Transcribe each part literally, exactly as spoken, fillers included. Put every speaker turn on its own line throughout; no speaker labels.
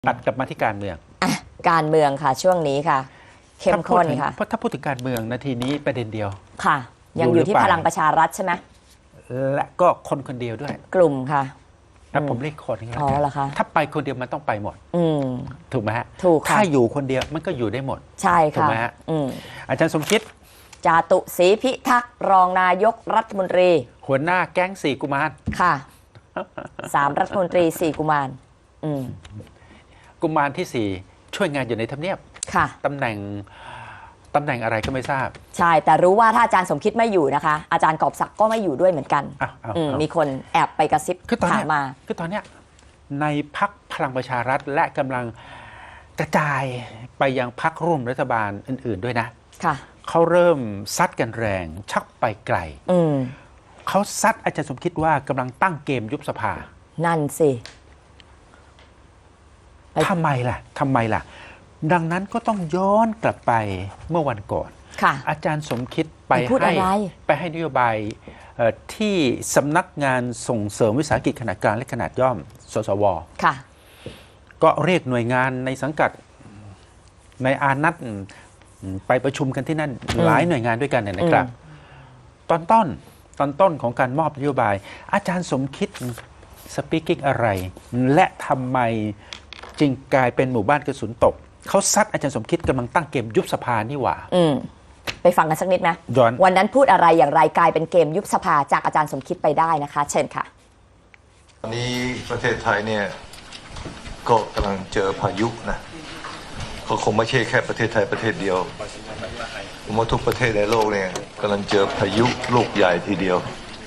ตัดกลับมาที่การเมือง
อ่ะการเมืองค่ะช่วงนี้ค่ะเข้มข้นค่ะ
เพราะถ้าพูดถึงการเมืองนาทีนี้ประเด็นเดียว
ค่ะยังอยู่ที่พลังประชารัฐใช่ไหม
และก็คนคนเดียวด้วย
กลุ่มค่ะ
แล้วผมเรียกคนนี้แล้ว
กันถ้
าไปคนเดียวมันต้องไปหมดถูกไหมฮะ
ถูกค่ะ
ถ้าอยู่คนเดียวมันก็อยู่ได้หมด
ใช่ค่ะถูกไห
มฮะอาจารย์สมคิด
จาตุศรีพิทักษ์รองนายกรัฐมนตรี
หัวหน้าแก๊งสี่กุมาร
ค่ะสามรัฐมนตรีสี่กุมารอืม
กุมารที่สี่ช่วยงานอยู่ในทำเนียบ
ค่ะ
ตำแหน่งตำแหน่งอะไรก็ไม่ทราบ
ใช่แต่รู้ว่าถ้าอาจารย์สมคิดไม่อยู่นะคะอาจารย์กอบศักดิ์ก็ไม่อยู่ด้วยเหมือนกันมีคนแอบไปกระซิบถามมา
คือตอนเนี้ยในพรรคพลังประชารัฐและกำลังกระจายไปยังพรรคร่วมรัฐบาลอื่นๆด้วยนะ
ค่ะ
เขาเริ่มซัดกันแรงชักไปไกลเขาซัดอาจารย์สมคิดว่ากำลังตั้งเกมยุบสภา
นั่นสิ
ทำไมล่ะทำไมล่ะดังนั้นก็ต้องย้อนกลับไปเมื่อวันก่อนอาจารย์สมคิดไปให้ไปให้นโยบายที่สำนักงานส่งเสริมวิสาหกิจขนาดกลางและขนาดย่อมสสวก็เรียกหน่วยงานในสังกัดในอานัตไปประชุมกันที่นั่นหลายหน่วยงานด้วยกันเนี่ยนะครับตอนต้นตอนต้นของการมอบนโยบายอาจารย์สมคิดสปีกิ้งอะไรและทำไมจึงกลายเป็นหมู่บ้านกระสุนตกเขาซัดอาจารย์สมคิดกำลังตั้งเกมยุบสภานี่หว่า
อืมไปฟังกันสักนิดนะวันนั้นพูดอะไรอย่างไรกลายเป็นเกมยุบสภาจากอาจารย์สมคิดไปได้นะคะเชิญค่ะ
ตอนนี้ประเทศไทยเนี่ยก็กำลังเจอพายุนะเขาคงไม่ใช่แค่ประเทศไทยประเทศเดียวผมว่าทุกประเทศในโลกเนี่ยกำลังเจอพายุลูกใหญ่ทีเดียว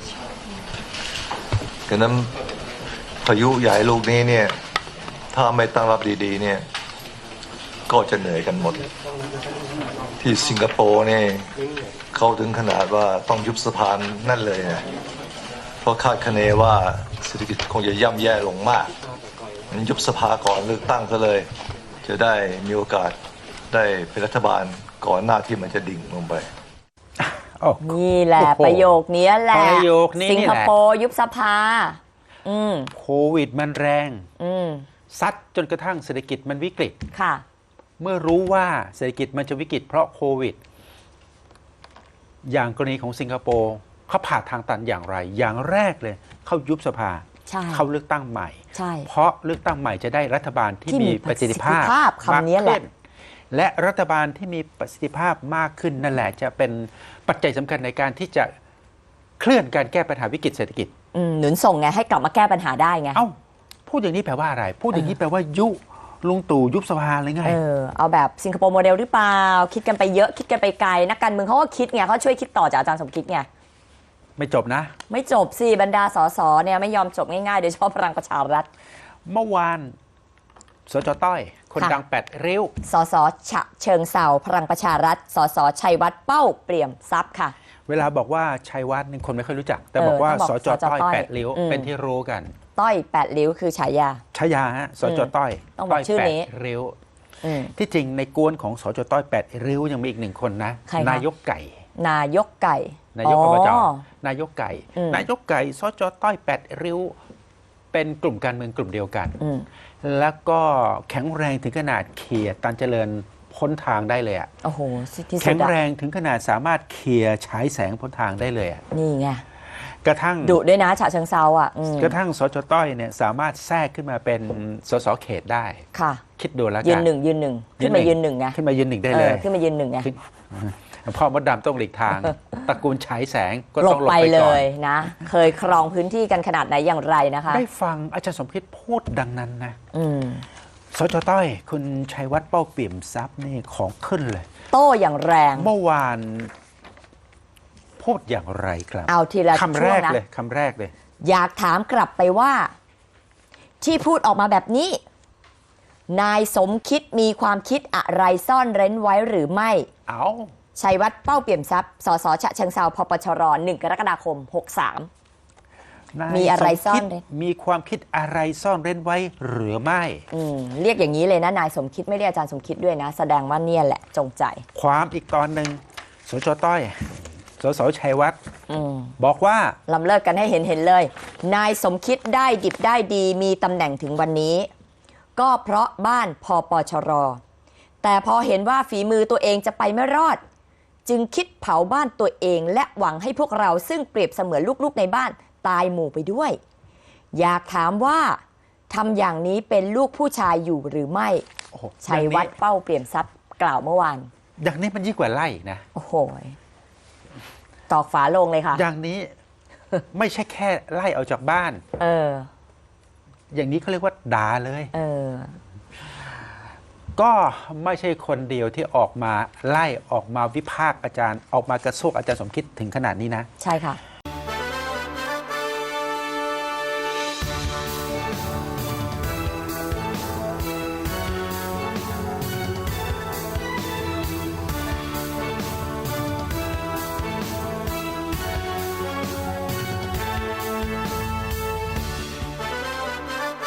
ดังนั้นพายุใหญ่ลูกนี้เนี่ยถ้าไม่ตั้งรับดีๆเนี่ยก็จะเหนื่อยกันหมดที่สิงคโปร์เนี่ยเขาถึงขนาดว่าต้องยุบสภานั่นเลยนะเพราะคาดคะเนว่าเศรษฐกิจคงจะย่ำแย่ลงมากยุบสภาก่อนเลือกตั้งซะเลยจะได้มีโอกาสได้เป็นรัฐบาลก่อนหน้าที่มันจะดิ่งลงไป
นี่แหละประโยคนี้แหละสิงคโปร์ยุบสภา
โควิดมันแรงซัดจนกระทั่งเศรษฐกิจมันวิกฤต
ค่ะ
เมื่อรู้ว่าเศรษฐกิจมันจะวิกฤตเพราะโควิดอย่างกรณีของสิงคโปร์เขาผ่าทางตันอย่างไรอย่างแรกเลยเขายุบสภาเขาเลือกตั้งใหม่เพราะเลือกตั้งใหม่จะได้รัฐบาลที่มีประสิทธิภาพ
มากขึ้น
และรัฐบาลที่มีประสิทธิภาพมากขึ้นนั่นแหละจะเป็นปัจจัยสำคัญในการที่จะเคลื่อนการแก้ปัญหาวิกฤตเศรษฐกิจ
หนุนส่งไงให้กลับมาแก้ปัญหาได้ไง
เอ้าพูดอย่างนี้แปลว่าอะไรพูดอย่างนี้แปลว่ายุลุงตู่ยุบสภาเลยไง
เออเอาแบบสิงคโปร์โมเดลหรือเปล่าคิดกันไปเยอะคิดกันไปไกลนักการเมืองเขาก็คิดไงเขาช่วยคิดต่อจากอาจารย์สมคิดไง
ไม่จบนะ
ไม่จบสิบรรดาสสเนี่ยไม่ยอมจบง่ายๆโดยเฉพาะพลังประชารัฐ
เมื่อวานสจต้อยคนดังแปดริ้ว
สสฉะเชิงเซาพลังประชารัฐสสชัยวัฒน์เป้าเปี่ยมทรัพย์ค่ะ
เวลาบอกว่าชัยวัฒน์นี่คนไม่ค่อยรู้จักแต่บอกว่าสจต้อยแปดริ้วเป็นที่รู้กัน
ต้อยแปดริ้วคือฉายา
ฉายาฮะสจต้อย
ต้องบอกชื่อนี้
ริ้วที่จริงในกวนของสจต้อยแปดริ้วยังมีอีกหนึ่งคนนะนายกไก่
นายกไก่
นายกอบจนายกไก่นายกไก่สจต้อยแปดริ้วเป็นกลุ่มการเมืองกลุ่มเดียวกันแล้วก็แข็งแรงถึงขนาดเขี่ยตันเจริญพ้นทางได้เลยอ่ะ
โอ้โห
แข็งแรงถึงขนาดสามารถเขี่ยฉายแสงพ้นทางได้เลยอ่ะ
นี่ไง
กระทั่ง
ดุด้วยนะฉะเชิงเซาอ่ะ
กระทั่งสจต้อยเนี่ยสามารถแทรกขึ้นมาเป็นสสเขตได้
ค่ะ
คิดดูแล้วกัน
ยืนหนึ่งยืนหนึ่งขึ้นมายืนหนึ่งไง
ขึ้นมายืนหนึ่งได้เลย
ขึ้นมายืนหนึ่งไง
พ่อมดดำต้องหลีกทางตระกูลฉายแสงก็ต้อง
หลบไปเลยนะเคยครองพื้นที่กันขนาดไหนอย่างไรนะคะ
ได้ฟังอาจารย์สมคิดพูดดังนั้นนะสจต้อยคุณชัยวัฒน์เป้าเปี่ยมทรัพย์นี่ของขึ้นเลย
โต้อย่างแรง
เมื่อวานพูดอย่างไรครับ
เอาทีละ
คำแรกเลยคำแรกเลย
อยากถามกลับไปว่าที่พูดออกมาแบบนี้นายสมคิดมีความคิดอะไรซ่อนเร้นไว้หรือไม่
เอา
ชัยวัฒน์เป้าเปี่ยมทรัพย์สสฉะเชิงเทราพปชรหนึ่งกรกฎาคมหกสามมีอะไรซ่อนเร้น
มีความคิดอะไรซ่อนเร้นไว้หรือไม่
อืมเรียกอย่างนี้เลยนะนายสมคิดไม่เรียกอาจารย์สมคิดด้วยนะแสดงว่าเนี่ยแหละจงใจ
ความอีกตอนหนึ่งสจต้อยสสชัยวัฒน์บอกว่า
ลำเลิกกันให้เห็นเห็นเลยนายสมคิดได้ดิบได้ดีมีตำแหน่งถึงวันนี้ก็เพราะบ้านพปชรแต่พอเห็นว่าฝีมือตัวเองจะไปไม่รอดจึงคิดเผาบ้านตัวเองและหวังให้พวกเราซึ่งเปรียบเสมือนลูกๆในบ้านตายหมู่ไปด้วยอยากถามว่าทำอย่างนี้เป็นลูกผู้ชายอยู่หรือไม่ชัยวัฒน์เป้าเปี่ยมทรัพย์กล่าวเมื่อวาน
อย่างนี้มันยิ่งกว่าไล่นะ
โอ้โหตอกฝาโลงเลยค่ะ
อย่างนี้ ไม่ใช่แค่ไล่ออกจากบ้าน
เออ
อย่างนี้เขาเรียกว่าด่าเลย
เออ
ก็ไม่ใช่คนเดียวที่ออกมาไล่ออกมาวิพากษ์อาจารย์ออกมากระโซกอาจารย์สมคิดถึงขนาดนี้นะ
ใช่ค่ะ